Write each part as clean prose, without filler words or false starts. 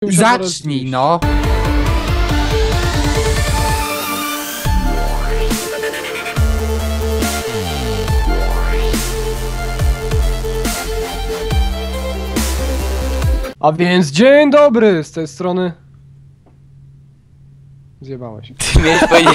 Zacznij, no! A więc dzień dobry z tej strony. Zjebałeś. Ty miałeś powiedzieć...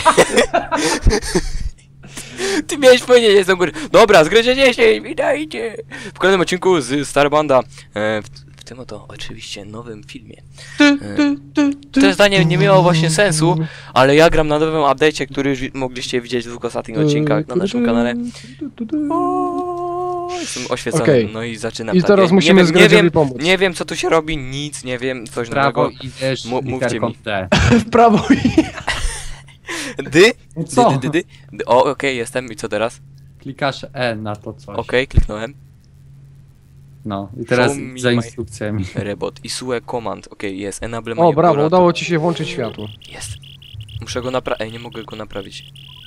Ty miałeś powiedzieć, jest do góry. Dobra, zgryzie 10, witajcie! W kolejnym odcinku z Starbanda. W tym oto oczywiście nowym filmie. To zdanie nie miało właśnie sensu, ale ja gram na nowym update'cie, który już mogliście widzieć w dwóch ostatnich odcinkach na naszym kanale. Jestem oświecony, Okay. No i zaczynam. I tak. teraz musimy Zgredziowi pomóc. Nie wiem co tu się robi, nic nie wiem, coś Prawo nowego. idziesz Mówcie mi. D. W prawo i... Dy? Co? Dy. O, okej, jestem. I co teraz? Klikasz E na to coś. Okej, kliknąłem. No i teraz Show me za my- instrukcjami. Rebot. Isue command. Okej, jest. Enable O, brawo, manipulator. udało ci się włączyć światło. Jest. Muszę go naprawić. Ej, nie mogę go naprawić.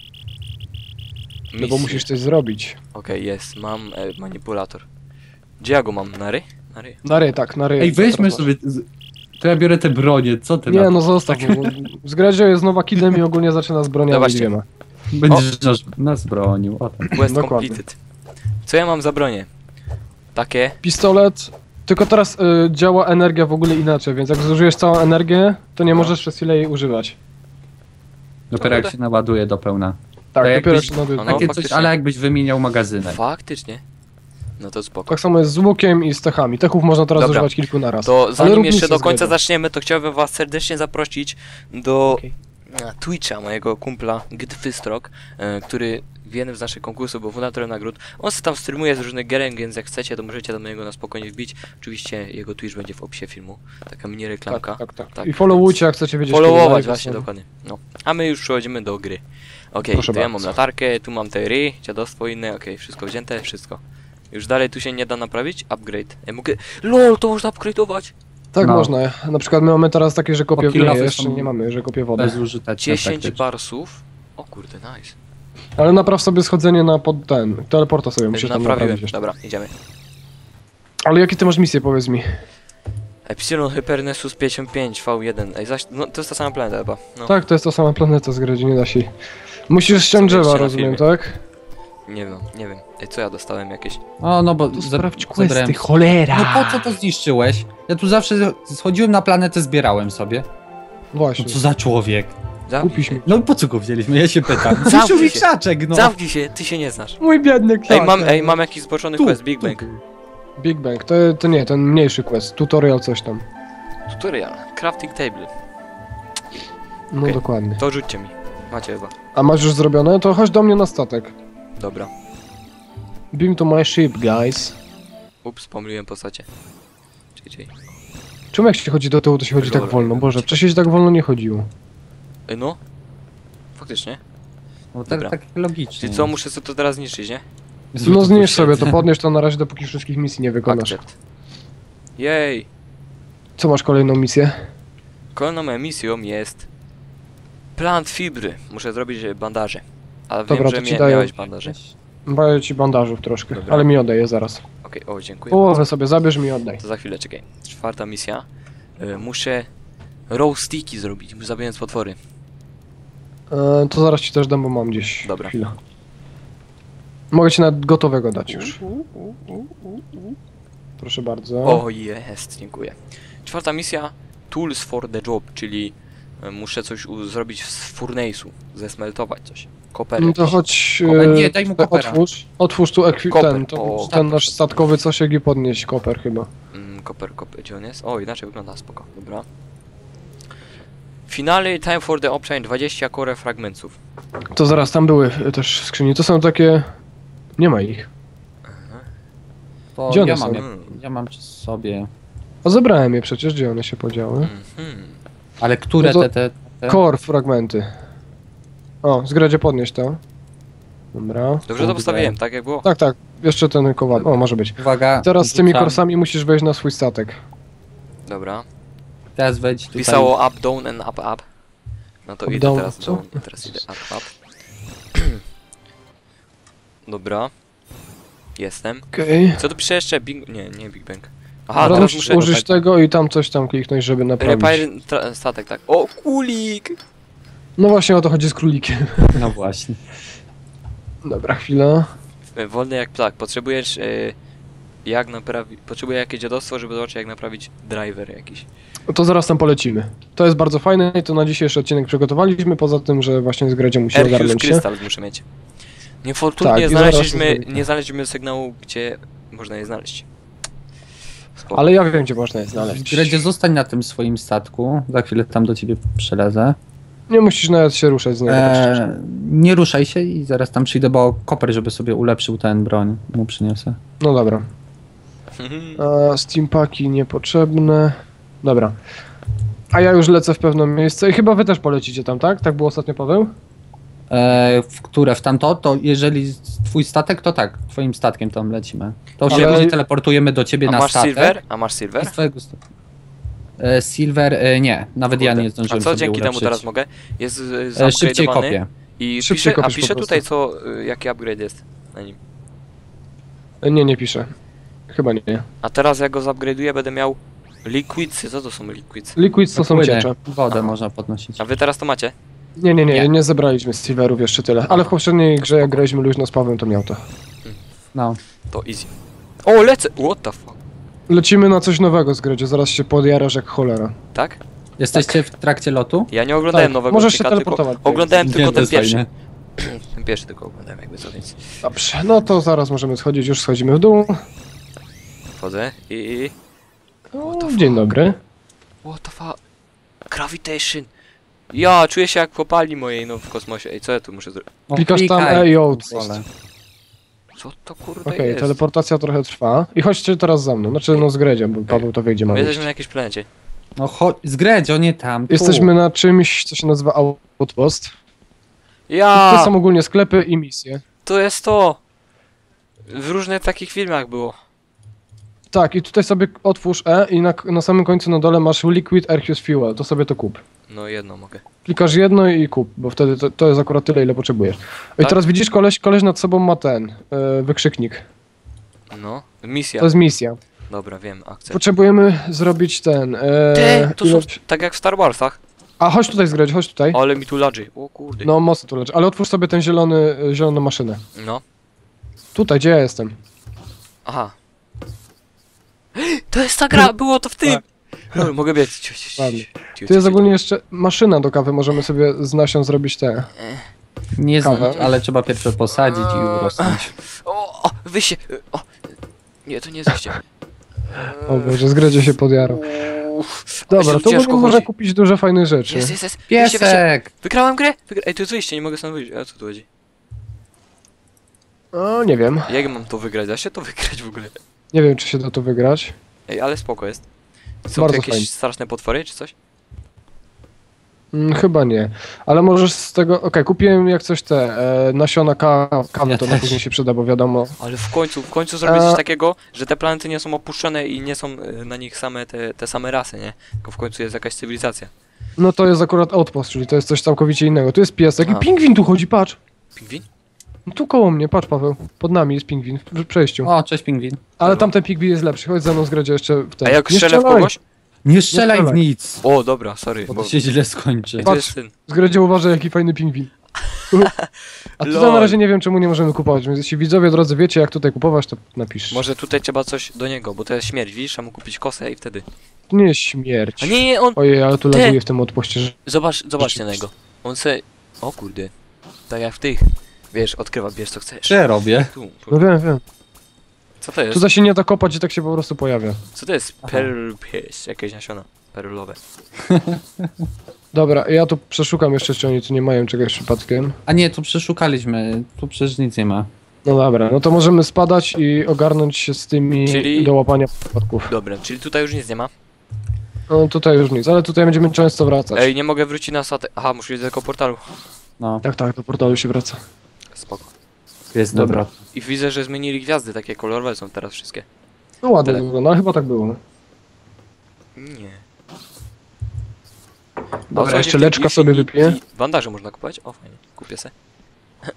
No bo musisz coś zrobić. Okej, jest. Mam manipulator. Gdzie ja go mam? Na ry? Na ry. Na ry, tak, na ry. Ej, weźmy Teraz sobie... To ja biorę te bronie, co ty na Nie, to? no zostaw. Bo Zgredzio jest nowa killem i ogólnie zaczyna z broniami Zobaczcie. dwiema. Będziesz nas bronił, o tam. Quest Dokładnie. completed. Co ja mam za bronie? Takie. Pistolet. Tylko teraz działa energia w ogóle inaczej, więc jak zużyjesz całą energię, to nie możesz przez chwilę jej używać. Dopiero jak się naładuje do pełna. Tak, To dopiero jakbyś- się naduje. No, Takie coś, faktycznie. ale jakbyś wymieniał magazynek. Faktycznie. No to spoko. Tak samo jest z łukiem i z techami. Techów można teraz Dobra. używać kilku naraz. To Ale zanim rób jeszcze misję do końca Zgredzio. zaczniemy, to chciałbym was serdecznie zaprosić do Okej. Twitcha mojego kumpla Gdfystrok, który w jednym z naszych konkursów był fundatorem nagród. On se tam streamuje z różnych gierek, więc jak chcecie, to możecie do niego na spokojnie wbić. Oczywiście jego Twitch będzie w opisie filmu. Taka mini reklamka. Tak. I followujcie, jak chcecie wiedzieć. kiedy Followować live właśnie, są. dokładnie. No. A my już przechodzimy do gry. Okej, Proszę to ja bardzo. mam latarkę, tu mam te ry, dziadostwo inne, okej, wszystko wzięte, wszystko. Już dalej tu się nie da naprawić? Upgrade. Ja mogę... LOL, to można upgrade'ować! Tak No. można. Na przykład my mamy teraz takie, że kopie Bo kilofy nie, jeszcze są nie mamy, że kopie wodę. Bezużyteczne 10 praktycznie. barsów. O kurde, nice. Ale napraw sobie schodzenie na pod ten. Teleporta sobie musisz tam Naprawiłem. naprawić jeszcze. Dobra, idziemy. Ale jakie ty masz misje, powiedz mi? Epsilon Hypernessus 55 V1. Ej, zaś... No, to jest ta sama planeta chyba. No. Tak, to jest ta sama planeta z gry, nie da się. Musisz ściąć Co drzewa, wiecie na rozumiem, filmie? tak? Nie wiem, nie wiem. Ej, co ja dostałem jakieś? O, no bo To za- sprawdź zabrałem- questy, cholera! No po co to zniszczyłeś? Ja tu zawsze schodziłem na planetę, zbierałem sobie. No Właśnie. co za człowiek? Zamknij Kupisz się. mi. No po co go wzięliśmy? Ja się pytam. Zamknij Zniszczył mi się. krzaczek, no. Zamknij się, ty się nie znasz. Mój biedny kwiat. Ej, mam jakiś zboczony Tu, quest, Big tu. Bang. Big Bang, to nie, ten mniejszy quest, tutorial coś tam. Tutorial. Crafting table. No Okej. dokładnie. To rzućcie mi. Macie chyba. A masz już zrobione? To chodź do mnie na statek. Dobra. Beam to my ship, guys. Ups, pomyliłem postacie. Czekaj. Czemu jak się chodzi do tyłu, to się chodzi tak Dobra. wolno? Boże, wcześniej się tak wolno nie chodziło. Ej, no. Faktycznie. No tak, Dobra. tak logicznie. Czyli co, muszę sobie to teraz zniszczyć, nie? No zniszcz sobie to, podnieś to na razie, dopóki wszystkich misji nie wykonasz. Accept. Jej. Co masz kolejną misję? Kolejną moją misją jest... Plant fibry. Muszę zrobić bandaże. A Dobra, wiem, to że ci daję. miałeś bandaże. Daję ci bandażów troszkę, Dobra. ale mi oddaję zaraz. Okej, o, dziękuję. Połowę sobie zabierz mi i oddaj. To za chwilę, czekaj. Czwarta misja. Muszę... Raw sticky zrobić, zabijając potwory. To zaraz ci też dam, bo mam gdzieś. Dobra. Chwila. Mogę ci nawet gotowego dać już. Proszę bardzo. O, jest, dziękuję. Czwarta misja. Tools for the job, czyli muszę coś zrobić z furnace'u, zesmeltować coś. Koper. No to chodź. Nie, daj mu kopera. Otwórz tu Koper, ten o. nasz statkowy cosiek i podnieś koper chyba. Koper, gdzie on jest? O, inaczej wygląda, spoko, dobra. Finally, time for the option 20 core fragmentów. To zaraz, tam były też w skrzyni. To są takie. Nie ma ich. To Gdzie one ja są? mam, ja mam przy sobie. A zebrałem je przecież, gdzie one się podziały? Mhm. Ale które No to- te... Core fragmenty. O, zgradzie podnieść to. Dobra. Dobrze to postawiłem, tak jak było? Tak, jeszcze ten kowal. O, może być. Uwaga. Teraz z tymi rzucam. korsami musisz wejść na swój statek. Dobra. Teraz wejdź tutaj. Pisało up, down and up. No to Up, idę down, teraz co? down i teraz idę up. Dobra. Jestem. Okej. Co tu pisze jeszcze? Big... Nie Big Bang. Aha, teraz Musisz muszę... użyć tego i tam coś tam kliknąć, żeby naprawić. Repair statek, tak. O, kulik! No właśnie o to chodzi z królikiem. No właśnie. Dobra, chwila. Wolny jak ptak. Potrzebujesz... jak naprawić... Potrzebuję jakieś dziadostwo, żeby zobaczyć jak naprawić driver jakiś. To zaraz tam polecimy. To jest bardzo fajne i to na dzisiejszy odcinek przygotowaliśmy, poza tym, że właśnie z Gredzią musimy Erchius ogarnąć się. Krystal muszę mieć. Niefortunnie Tak, i zaraz to zrobimy. nie znaleźliśmy sygnału, gdzie można je znaleźć. Spoko. Ale ja wiem, gdzie można je znaleźć. Gredzie, zostań na tym swoim statku. Za chwilę tam do ciebie przelezę. Nie musisz nawet się ruszać z niego. tak szczerze. Nie ruszaj się i zaraz tam przyjdę, bo koper, żeby sobie ulepszył ten broń, mu przyniosę. No dobra. Steampaki niepotrzebne. Dobra. A ja już lecę w pewne miejsce i chyba wy też polecicie tam, tak? Tak było ostatnio, Paweł? W które? W tamto? To jeżeli twój statek, to tak, twoim statkiem tam lecimy. To Ale- się później teleportujemy do ciebie A na masz statek. silver? A masz silver? Z twojego statku. Silver, nie, nawet ja Kurde. nie zdążyłem A co sobie dzięki temu ulepszyć. teraz mogę? Jest Szybciej zupgrade'owany kopię. i Szybciej pisze, a kopiesz po pisze prostu. tutaj co, jaki upgrade jest na nim. Nie, nie piszę. Chyba nie. A teraz jak go zupgrade'uję będę miał liquidsy. Co to są liquids? Liquids to są Płyny, ciecze. Wodę Aha. można podnosić. A wy teraz to macie? Nie zebraliśmy silverów jeszcze tyle. Ale w poprzedniej grze jak graliśmy luźno z Pawłem, to miał to. No. To easy. O, lecę! What the fuck? Lecimy na coś nowego z Gredzie, zaraz się podjarasz jak cholera. Tak? Jesteście w trakcie lotu? Ja nie oglądałem Tak, nowego możesz się odcinka, tylko teleportować. oglądałem Nie, tylko to ten jest pierwszy. fajne. Ten pierwszy tylko oglądałem jakby co, więc Dobrze, no to zaraz możemy schodzić, już schodzimy w dół. wchodzę i... O, dzień dobry. What the fuck? Gravitation! Ja czuję się jak w kopalni mojej, no w kosmosie. Ej, co ja tu muszę zrobić? No, Klikasz tam klikaj. E i outpost. Wolę. Co to kurde Okej, jest? teleportacja trochę trwa. I chodźcie teraz za mną, znaczy no z Gredziem, bo Paweł to wie gdzie My mamy. jesteśmy na jakiejś planecie. No chodź, zgredź, o nie tam. Tu. Jesteśmy na czymś, co się nazywa outpost. To Ja! są ogólnie sklepy i misje. To jest to! W różnych takich filmach było. Tak, i tutaj sobie otwórz E i na samym końcu na dole masz Liquid Arceus Fuel, to sobie to kup. No jedno mogę. Klikasz jedno i kup, bo wtedy to jest akurat tyle, ile potrzebujesz. I Tak? teraz widzisz, koleś nad sobą ma ten, wykrzyknik. No, misja. To jest misja. Dobra, wiem, akcja. Potrzebujemy zrobić ten... Ty, to są ilość- tak jak w Star Warsach. A, chodź tutaj zgrać, chodź tutaj. Ale mi tu ladży. O kurde. No, mocno tu leży, ale otwórz sobie ten zieloną maszynę. No. Tutaj, gdzie ja jestem? Aha. To jest ta gra, było to w tym! No, mogę biec. Ładnie. Tu jest ogólnie jeszcze maszyna do kawy, możemy sobie z nasion zrobić te... Nie znam, Kawę. ale trzeba pierwsze posadzić i urosnąć. O, wyjście! O! Nie, to nie jest wyjście. O Boże, zgredzie się podjarał. Uff, Dobra, ale to ciężko można chodzi. kupić dużo fajnych rzeczy. Jest. Wyjście, wyjście. Piesek! Wygrałem grę? Ej, to jest wyjście, nie mogę stąd wyjść. A co tu chodzi? O, nie wiem. Jak mam to wygrać? Da się to wygrać w ogóle? Nie wiem, czy się da to wygrać. Ej, ale spoko jest. Są tu Bardzo jakieś fajnie. straszne potwory, czy coś? Chyba nie. Ale możesz z tego... Okej, kupiłem jak coś nasiona kawy, Ja to na też. później się przyda, bo wiadomo. Ale w końcu zrobić coś takiego, że te planety nie są opuszczone i nie są na nich same te same rasy, nie? Tylko w końcu jest jakaś cywilizacja. No to jest akurat outpost, czyli to jest coś całkowicie innego. Tu jest piesek Aha. i pingwin tu chodzi, patrz. Pingwin? No tu koło mnie, patrz Paweł. Pod nami jest pingwin w przejściu. O, cześć pingwin. Ale tamten pingwin jest lepszy, chodź za mną zgradzie jeszcze w ten. A jak Nie strzelę w strzelaj. kogoś? Nie strzelaj w strzelaj. nic, O, dobra, sorry. bo Bo... to się źle skończy. To Patrz. jest ten. Zgradzie uważaj jaki fajny pingwin. A tutaj Lol. na razie nie wiem czemu nie możemy kupować, więc jeśli widzowie drodzy wiecie jak tutaj kupować, to napisz. Może tutaj trzeba coś do niego, bo to jest śmierć, widzisz? Trzeba mu kupić kosę i wtedy. To nie jest śmierć. A nie, on... Ojej, ale tu Ty. laguje w tym odpuście, że... Zobaczcie na niego. On se... O kurde. Tak jak w tych. Wiesz, odkrywa, bierz co chcesz. Co ja robię? Tu. No wiem. Co to jest? Tutaj się nie da kopać i tak się po prostu pojawia. Co to jest? Aha. Pearl Paste, jakieś nasiona. Perlowe. Dobra, ja tu przeszukam jeszcze, czy oni tu nie mają czegoś przypadkiem. A nie, tu przeszukaliśmy, tu przecież nic nie ma. No dobra, no to możemy spadać i ogarnąć się z tymi Czyli- do łapania przypadków. Dobra, czyli tutaj już nic nie ma. No tutaj już nic, ale tutaj będziemy często wracać. Ej, nie mogę wrócić na statek. Aha, muszę iść do tego portalu. No, Tak, do portalu się wraca. Spoko. jest Dobra. dobra. I widzę, że zmienili gwiazdy, takie kolorowe są teraz wszystkie. No ładnie Tak. wygląda, ale chyba tak było. Nie. Dobra, jeszcze leczka sobie wypiję. Bandaże można kupować? O, fajnie. Kupię se.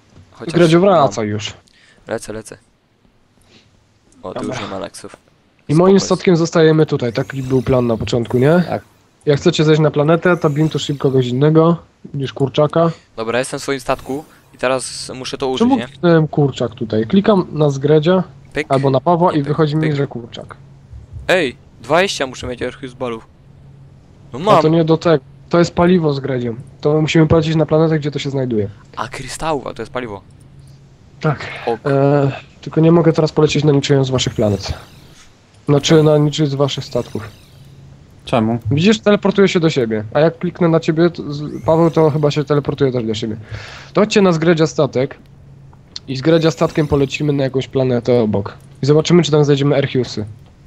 Gredzie wraca już. Lecę. O, tu Dobra. już nie ma leksów. I moim Spoko jest. statkiem zostajemy tutaj, taki był plan na początku, nie? Tak. Jak chcecie zejść na planetę, to beam to ship kogoś innego niż kurczaka. Dobra, jestem w swoim statku i teraz muszę to użyć, Czemu nie? kliknąłem kurczak tutaj? Klikam na Zgredzia Pyk. albo na Pawła Nie, i pyk, wychodzi mi, pyk. że kurczak. Ej, 20 muszę mieć Archius balów. No A mam. to nie do tego. To jest paliwo z Gredziem. To musimy polecieć na planetę, gdzie to się znajduje. A krystałów, a to jest paliwo. Tak. Ok. Tylko nie mogę teraz polecieć na niczyją z waszych planet. Znaczy na niczyj z waszych statków. Czemu? Widzisz, teleportuje się do siebie. A jak kliknę na ciebie, Paweł, to chyba się teleportuje też do siebie. To chodźcie na Zgredzia statek. I z Gredzia statkiem polecimy na jakąś planetę obok. I zobaczymy, czy tam znajdziemy Archiusy.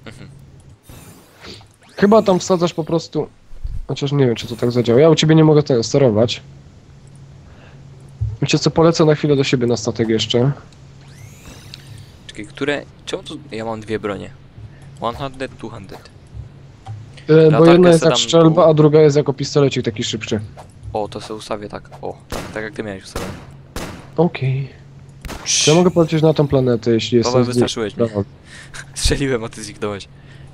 Chyba tam wsadzasz po prostu... Chociaż nie wiem, czy to tak zadziała. Ja u ciebie nie mogę tego sterować. Wiecie co, polecę na chwilę do siebie na statek jeszcze. Czekaj, które... Czemu tu... Ja mam dwie bronie. 100, 200. Bo Latarkę jedna jest se jak dam strzelba, tu. a druga jest jako pistolecik taki szybszy. O, to sobie ustawię tak. O, tak jak ty miałeś ustawione. Okej. Czy ja mogę polecieć na tą planetę, jeśli jest... Paweł, wystraszyłeś mnie. Strzeliłem, a ty zniknąłeś.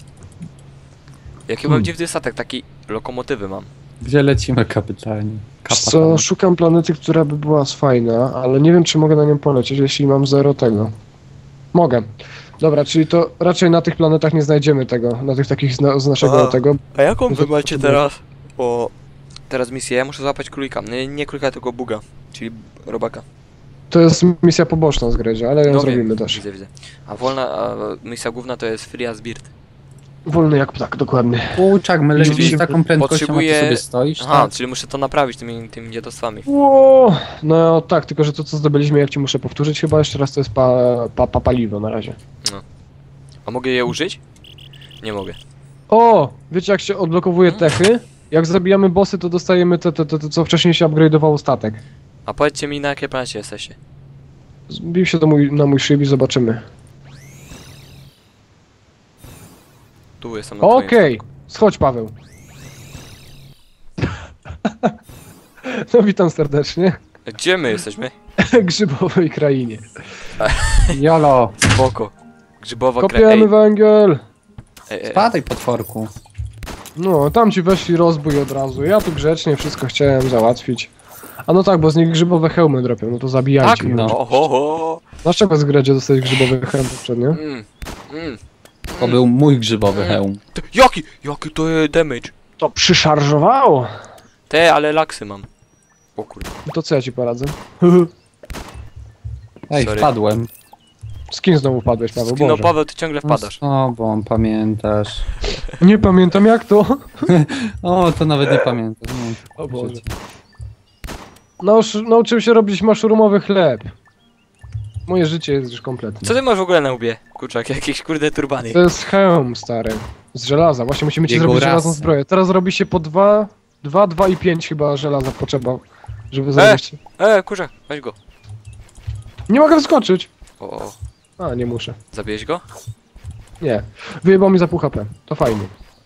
Jaki mam dziwny statek, taki lokomotywy mam. Gdzie lecimy, kapitanie? Co, szukam planety, która by była fajna, ale nie wiem, czy mogę na nią polecieć, jeśli mam zero tego. Mogę. Dobra, czyli to raczej na tych planetach nie znajdziemy tego, na tych takich z naszego Aha. tego. A jaką wy macie teraz? O... Teraz misję, ja muszę złapać królika. Nie królika, tylko buga. Czyli robaka. To jest misja poboczna z Gredzia, ale ją No zrobimy wiem, też. Widzę. A misja główna to jest Free as Bird. Wolny jak ptak, dokładnie. Kurczak, my lecimy Czyli z taką prędkością, potrzebuję- a ty sobie stoisz, Aha, tak? czyli muszę to naprawić tymi dziadostwami. Ło! No tak, tylko że to co zdobyliśmy, jak ci muszę powtórzyć chyba jeszcze raz, to jest paliwo na razie. A mogę je użyć? Nie mogę. O! Wiecie jak się odblokowuje techy? Jak zabijamy bossy, to dostajemy te co wcześniej się upgrade'owało statek. A powiedzcie mi, na jakiej planecie jesteście? Zbił się na mój szyb i zobaczymy. Tu jestem na twoim Okej, schodź Paweł. No witam serdecznie. statku. Gdzie my jesteśmy? Grzybowej krainie. Jolo, Spoko. Grzybowa Kopiemy węgiel. spadaj potworku. No, tam ci weszli rozbój od razu. Ja tu grzecznie wszystko chciałem załatwić. A no tak, bo z nich grzybowe hełmy dropią, no to zabijajcie. Tak, ich. no. Oho. Dlaczego z Gredzie dostałeś grzybowy hełm poprzednio? To był mój grzybowy hełm. Jaki to jest damage? To przyszarżowało. Ale laksy mam. O kurde. No to co ja ci poradzę? Ej, Sorry. wpadłem. Z kim znowu padłeś, Paweł? No Boże. Paweł, ty ciągle wpadasz. O, bo pamiętasz. Nie pamiętam jak to. O, to nawet nie pamiętam. No, O Boże. życie. Nauczyłem się robić maszrumowy chleb. Moje życie jest już kompletne. Co ty masz w ogóle na łbie? Kurczak, jakieś kurde turbany. To jest hełm, stary. Z żelaza. Właśnie musimy ci Jego zrobić rasa. żelazną zbroję. Teraz robi się po 2 i 5 chyba żelaza potrzeba, żeby zrobić. Kurczak, weź go. Nie mogę wskoczyć. O, A, nie muszę. zabijesz go? Nie. Wyjebał mi za pół HP. To fajnie.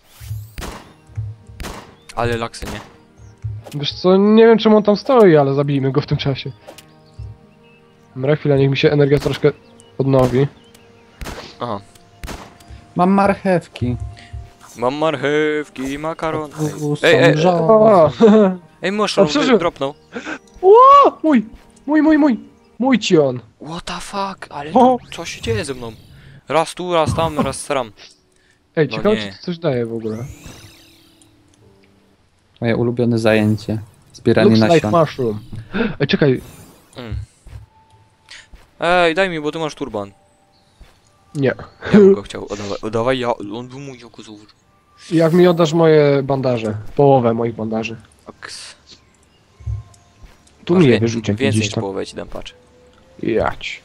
Ale laksy nie. Wiesz co, nie wiem czemu on tam stoi, ale zabijmy go w tym czasie. Dobra, chwila, niech mi się energia troszkę odnowi. Aha. Mam marchewki. Mam marchewki, makaron. Są Ej, żołnierze. O! Ej, muszą przeżył. dropnął. O! Mój ci on. What the fuck? Ale O! co się dzieje ze mną? Raz tu, raz tam, raz sram. Ej, No ciekawe nie. czy to coś daje w ogóle. Moje ulubione zajęcie. Zbieranie Looks like nasion. mushroom. Ej, czekaj. Ej, daj mi, bo ty masz turban. Nie. Ja bym go chciał. Oddawaj, on był mój okozów. Jak mi oddasz moje bandaże? Połowę moich bandaży. Tu mi je wyrzuć jak Więcej gdzieś niż tam. połowę ci dam, patrz. Jać.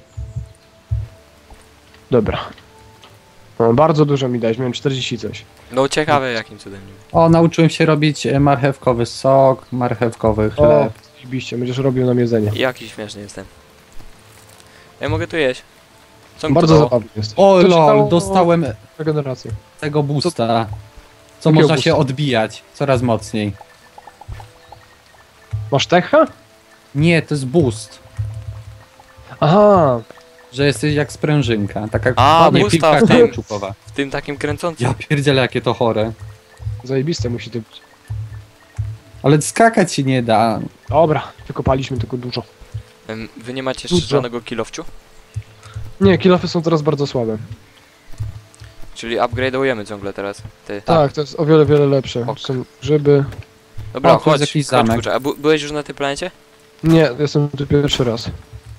Dobra. No, bardzo dużo mi dałeś, miałem 40 coś. No ciekawe jakim cudem. O, nauczyłem się robić marchewkowy sok, marchewkowy O, chleb. zbiście, będziesz robił nam jedzenie. Jaki śmieszny jestem. Ja mogę tu jeść. Co mi Bardzo to dało? zabawny jest. O, To ci lol, dało dostałem regenerację. tego boosta. Co Jakiego można się boosta? odbijać coraz mocniej. Masz techa? Nie, to jest boost. Aha. że jesteś jak sprężynka, taka A, nie, pusta piłka w tym. kauczukowa. W tym takim kręcącym. Ja pierdzielę, jakie to chore. Zajebiste musi to być. Ale skakać się nie da. Dobra, wykopaliśmy tylko dużo. Wy nie macie jeszcze Dużo. żadnego kilowciu? Nie, kilofy są teraz bardzo słabe. Czyli upgrade'ujemy ciągle teraz. Ty. Tak, to jest o wiele, wiele lepsze. Ok. Są grzyby. Dobra, O, tu jest chodź, jakiś chodź, zamek. kurczę. A byłeś już na tej planecie? Nie, jestem tu pierwszy raz.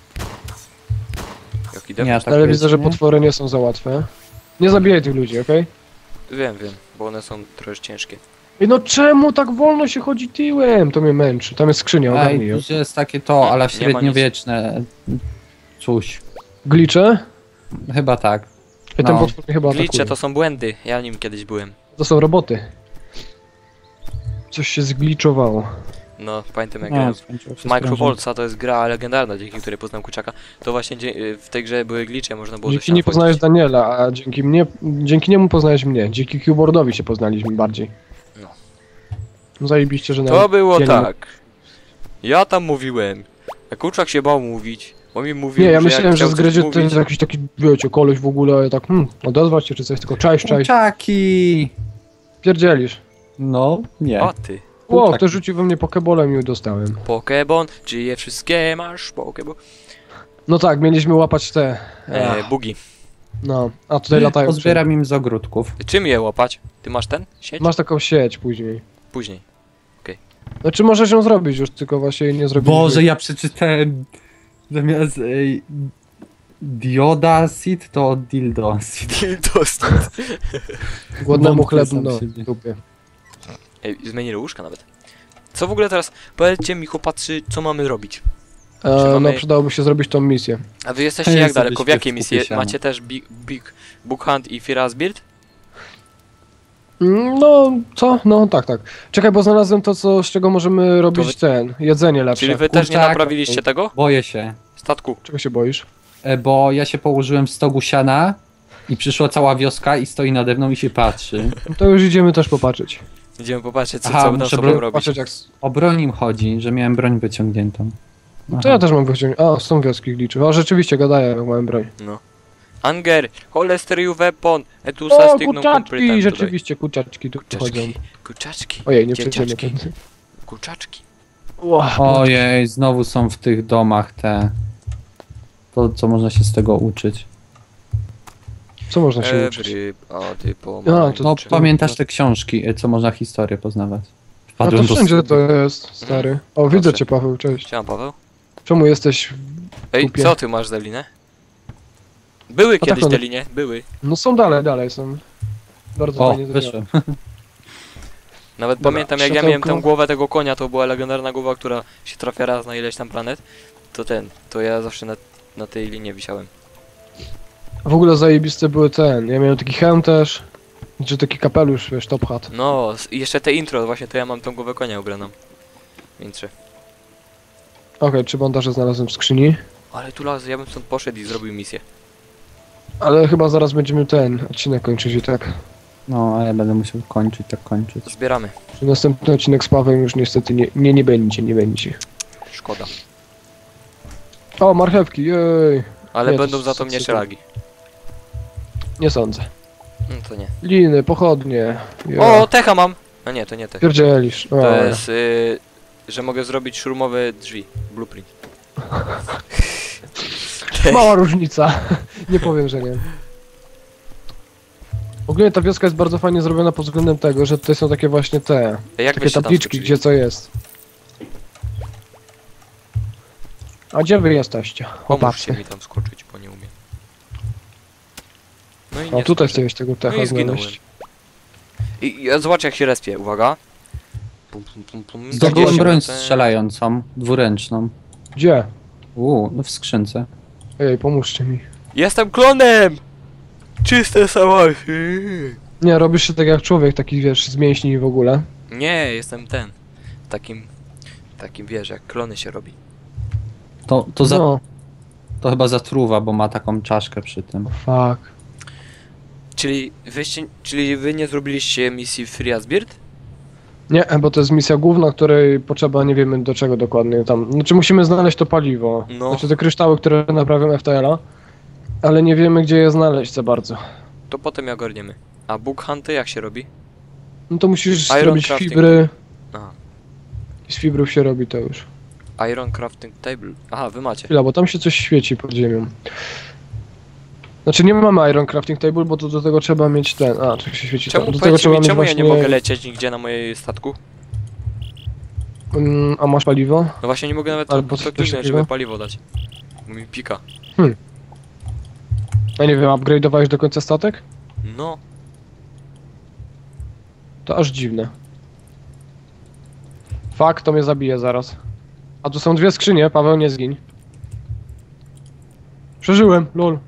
Jak idę? Nie, aż tak Ale widzę, że nie? potwory nie są za łatwe. Nie zabijaj tych ludzi, okej? Wiem, bo one są trochę ciężkie. Ej, no czemu tak wolno się chodzi tyłem? To mnie męczy. Tam jest skrzynia, ogarnij Ej, ją. tu jest takie to, ale Nie ma średniowieczne. Coś. Glicze? Chyba tak. Ej, ten No. potwór mnie chyba Glitche atakuje. to są błędy, ja nim kiedyś byłem. To są roboty. Coś się zgliczowało. No, pamiętam jak No, grałem skończyło się w Micro sprężynka. Voltsa, to jest gra legendarna, dzięki której poznałem kurczaka. To właśnie w tej grze były glitche, można było do Dzięki ścian nie poznałeś wchodzić. Daniela, a dzięki niemu poznałeś mnie. Dzięki keyboardowi się poznaliśmy bardziej. No. No zajebiście, że To nawet było dzielimy. tak. Ja tam mówiłem. A kurczak się bał mówić. Bo mi mówił, Nie, ja że myślałem, jak że chciał z coś gry, że to mówić, jest jakiś taki, wiecie, koleś w ogóle, ja tak, odezwać się czy coś, tylko cześć. Kurczaki! Pierdzielisz. No, nie. O ty. Ło, Kurczaki. ktoś rzucił we mnie pokebolem i ją dostałem. Pokebon, czy je wszystkie masz? Pokebon. No tak, mieliśmy łapać te, Bugi. no, a tutaj latają. Pozbieram im z ogródków. Czym je łapać? Ty masz ten? Sieć? Masz taką sieć później. Później. Znaczy możesz ją zrobić już, tylko właśnie jej nie zrobiliśmy. Boże, ja przeczytałem zamiast dioda seed to dildo seed. Głodnemu wątpię chleb, sam no, siebie. dupie. Ej, zmienili łóżka nawet. Co w ogóle teraz? Powiedzcie mi chłopacy, co mamy robić? Czy No mamy- przydałoby się zrobić tą misję. A wy jesteście Ja jak sobie daleko? W śpię jakiej w misji? kupie siana. Macie też Big Book Hunt i Fear's Build? No, co? No, tak. Czekaj, bo znalazłem to, z czego możemy robić jedzenie lepsze. Czyli wy też nie Kurczak. naprawiliście tego? Boję się, Statku. Czego się boisz? bo ja się położyłem w stogu siana i przyszła cała wioska i stoi nade mną i się patrzy. No to już idziemy też popatrzeć. Idziemy popatrzeć, co Aha, będą muszę sobą robić. Patrzeć jak... O broń im chodzi, że miałem broń wyciągniętą. No to ja też mam wyciągnąć. A, są wioski gliczy. A rzeczywiście, gadają, jak mam broń. Anger, Holester weapon, etusa O, stignum kurczaczki! Rzeczywiście, kurczaczki tu chodzą. Kurczaczki. Kurczaczki. Ojej, nie Dzieciaczki. przejdziemy. Kurczaczki. Ojej, znowu są w tych domach te... To, co można się z tego uczyć. Co można się uczyć? Everybody A, to No, czy- pamiętasz te książki, co można historię poznawać? A Wpadłem to do wszędzie to jest, stary. O, widzę Patrzę. cię, Paweł, cześć. Siema, Paweł. Czemu jesteś... Ej, Kupię. co ty masz za linę? Były tak kiedyś one- te linie, były. No są dalej są. Bardzo O, fajnie zrobione. wyszłem. Nawet Dobra, pamiętam jak ja światełko. miałem tę głowę tego konia, to była legendarna głowa, która się trafia raz na ileś tam planet. To ja zawsze na tej linie wisiałem. W ogóle zajebiste były ja miałem taki hełm też. Czy taki kapelusz, wiesz, top hat. No, i jeszcze te intro, właśnie to ja mam tą głowę konia ubraną. W intrze. Okej, 3 bandaże znalazłem w skrzyni. Ale tu las, ja bym stąd poszedł i zrobił misję. Ale chyba zaraz będziemy odcinek kończyć i tak. No, a ja będę musiał tak kończyć. Zbieramy. Że następny odcinek z Pawłem już niestety nie będzie. Szkoda. O, marchewki, jej. Ale Nie, to będą za to co- mnie co- szlagi. Nie sądzę. No to nie. Liny, pochodnie. Yeah. O, techa mam! No nie, to nie tech. Pierdzielisz. To jest, że mogę zrobić szurmowe drzwi. Blueprint. Mała różnica. Nie powiem, że nie. Ogólnie ta wioska jest bardzo fajnie zrobiona pod względem tego, że tutaj są takie właśnie Jak takie byście tam tabliczki, skoczyli? gdzie co jest. A gdzie wy jesteście, Pomóżcie chłopacy? mi tam skoczyć, bo nie umiem. No i O, nie tutaj skoczę. chciałeś tego No techa i zginąłem. znaleźć. I zobacz jak się respie, uwaga. Pum, pum, pum, pum. Zdobyłem 20 broń minut, strzelającą, dwuręczną. Gdzie? No w skrzynce. Ej, pomóżcie mi. Jestem klonem! Czyste sałasy! Nie, robisz się tak jak człowiek, taki wiesz, z mięśni i w ogóle. Nie, jestem ten. Takim wiesz, jak klony się robi. No, To chyba zatruwa, bo ma taką czaszkę przy tym. fuck. Czyli wy nie zrobiliście misji Free as Bird? Nie, bo to jest misja główna, której potrzeba, nie wiemy do czego dokładnie tam. Znaczy musimy znaleźć to paliwo. No. Znaczy te kryształy, które naprawią FTL-a. Ale nie wiemy, gdzie je znaleźć za bardzo. To potem je ogarniemy. A book hunty jak się robi? No to musisz Iron zrobić crafting. fibry. Aha. I z fibrów się robi to już. Iron crafting table. Aha, wy macie. Chwila, bo tam się coś świeci pod ziemią. Znaczy nie mamy Iron Crafting Table, bo to do tego trzeba mieć ten... A, czy się świeci Czemu, tam. Do tego powiedzcie trzeba mi, mieć czemu ja nie właśnie... mogę lecieć nigdzie na mojej statku? A masz paliwo? No właśnie nie mogę nawet Albo coś kliknąć, takiego? żeby paliwo dać. Bo mi pika. Ja nie wiem, upgrade'owałeś do końca statek? No. To aż dziwne. Fakt, to mnie zabije zaraz. A tu są dwie skrzynie, Paweł, nie zgiń. Przeżyłem, lol.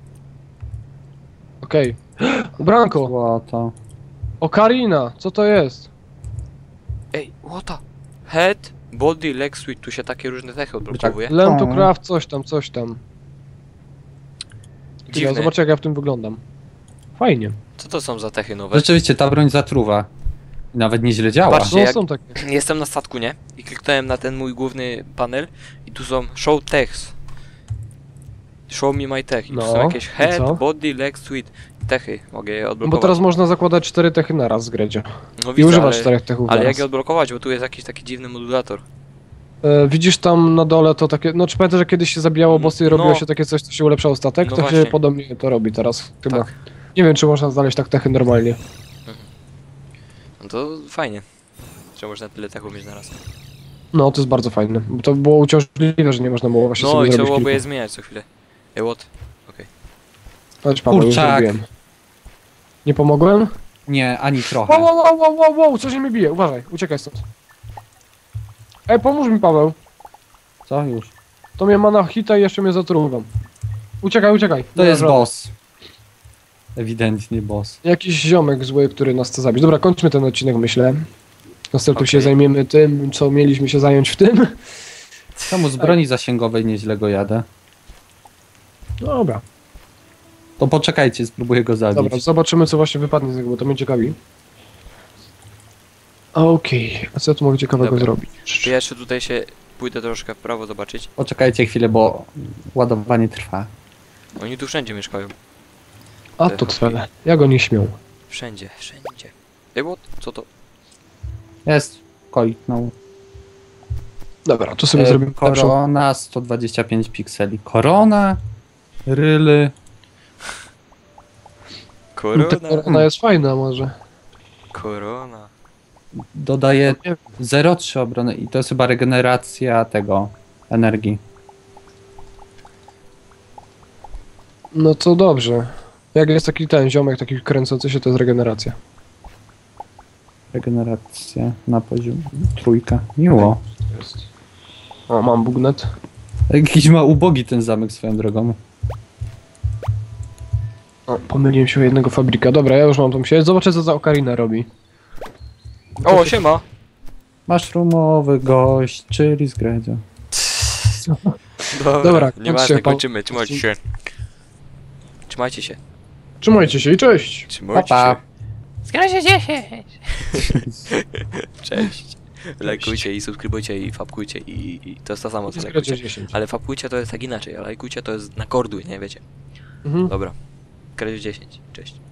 Okej. Ubranko! Złoto. Ocarina, co to jest? Ej, łota! Head, body, leg, sweet. Tu się takie różne cechy odblokowuje. Learn to O. craft, coś tam, coś tam. Dziwne. Zobacz jak ja w tym wyglądam. Fajnie. Co to są za cechy nowe? Rzeczywiście, ta broń zatruwa. Nawet nieźle działa. Patrzcie, No jak- są takie. Jestem na statku, nie? I kliknąłem na ten mój główny panel i tu są show techs. Show me my tech. I tu No, są jakieś i co? head, body, leg, sweet. Techy. Mogę je No bo odblokować. teraz można zakładać 4 techy naraz z Gredzie. No I widzę, używasz ale, 4 techów ale naraz. jak je odblokować, bo tu jest jakiś taki dziwny modulator. Widzisz tam na dole to takie... No czy pamiętasz, że kiedyś się zabijało bossy i No. robiło się takie coś, co się ulepszało statek? No To się właśnie. podobnie to robi teraz chyba. Tak. Nie wiem, czy można znaleźć tak techy normalnie. No to fajnie. Że można tyle techów mieć na raz. No, to jest bardzo fajne. Bo to było uciążliwe, że nie można było właśnie No sobie i trzeba zrobić byłoby je kilku. zmieniać co chwilę. Ej, what? Chodź, Paweł, już Kurczak. zrobiłem. Nie pomogłem? Nie, ani Wow, trochę. wow, wow, wow, wow, wow, coś mnie bije, uważaj, uciekaj stąd. Ej, pomóż mi, Paweł. Co już? To mnie ma na hita i jeszcze mnie zatruwam. Uciekaj, uciekaj. To jest Dobra. boss. Ewidentnie boss. Jakiś ziomek zły, który nas chce zabić. Dobra, kończmy ten odcinek, myślę. Następnie się Okej. zajmiemy tym, co mieliśmy się zająć w tym. Czemu z broni zasięgowej nieźle go jadę? Dobra, To poczekajcie, spróbuję go zabić. dobra, zobaczymy, co właśnie wypadnie z niego, bo to mnie ciekawi. Okej, a co tu mogę ciekawego Dobra. zrobić? To ja jeszcze tutaj się pójdę troszkę w prawo zobaczyć. Poczekajcie chwilę, bo ładowanie trwa. Oni tu wszędzie mieszkają. A to cwele, jak oni śmią. Wszędzie, wszędzie. Ej, what? Co to? Jest, koiknął. Dobra, tu sobie zrobimy lepszą. Korona, 125 pikseli. Korona, ryly. Korona. Ona jest fajna może. Korona. Dodaje Nie- 0,3 obrony i to jest chyba regeneracja tego energii. No to dobrze. Jak jest taki ten ziomek, taki kręcący się, to jest regeneracja. Regeneracja na poziom trójka. Miło. Jest. O, mam bugnet. Jakiś ma ubogi ten zamek swoją drogą. O, pomyliłem się o jednego fabryka. Dobra, ja już mam tą sieć. Zobaczę, co za Ocarina robi. O, siema! Mushroomowy gość, czyli z Gredzia. Dobra, nieważne, kończcie, pan- kończymy. Trzymajcie się. Trzymajcie się. Trzymajcie się i cześć! Trzymajcie Pa, się. pa. Zgracie 10! Cześć. Lajkujcie i subskrybujcie i fapkujcie i to jest to samo co Zgracie lajkujcie. 10. Ale fapkujcie to jest tak inaczej, a lajkujcie to jest na korduj, nie wiecie? Mhm. Dobra. Kredzie 10. Cześć.